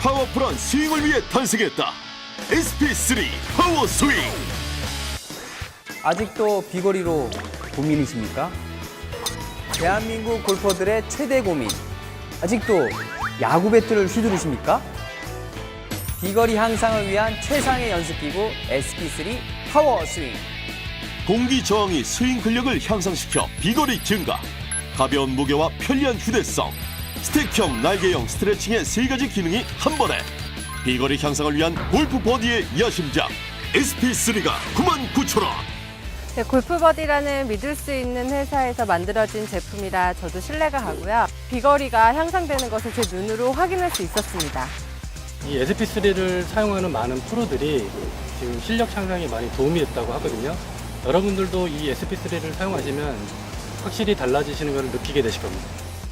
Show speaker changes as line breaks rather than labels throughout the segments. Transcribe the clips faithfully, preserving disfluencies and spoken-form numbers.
파워풀한 스윙을 위해 탄생했다. 에스피쓰리 파워 스윙.
아직도 비거리로 고민이십니까? 대한민국 골퍼들의 최대 고민. 아직도 야구 배트를 휘두르십니까? 비거리 향상을 위한 최상의 연습기구 에스피쓰리 파워 스윙.
공기 저항이 스윙 근력을 향상시켜 비거리 증가, 가벼운 무게와 편리한 휴대성, 스틱형 날개형 스트레칭의 세 가지 기능이 한 번에 비거리 향상을 위한 골프 버디의 야심작 에스피쓰리가 구만 구천 원.
네, 골프버디라는 믿을 수 있는 회사에서 만들어진 제품이라 저도 신뢰가 가고요. 비거리가 향상되는 것을 제 눈으로 확인할 수 있었습니다.
이 에스피쓰리를 사용하는 많은 프로들이 지금 실력 향상에 많이 도움이 됐다고 하거든요. 여러분들도 이 에스피쓰리를 사용하시면 확실히 달라지시는 것을 느끼게 되실 겁니다.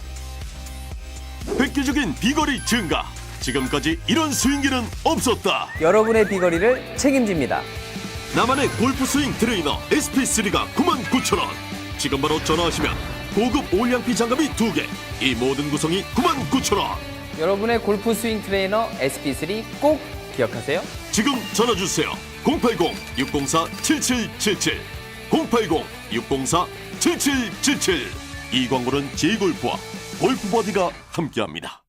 획기적인 비거리 증가. 지금까지 이런 스윙기는 없었다.
여러분의 비거리를 책임집니다.
나만의 골프 스윙 트레이너 에스피쓰리가 구만 구천 원. 지금 바로 전화하시면 고급 올량피 장갑이 두 개. 이 모든 구성이 구만 구천 원.
여러분의 골프 스윙 트레이너 에스피쓰리 꼭 기억하세요.
지금 전화 주세요. 공팔공 육공사 칠칠칠칠 공팔공 육공사 칠칠칠칠. 이 광고는 제이골프와 골프버디가 함께합니다.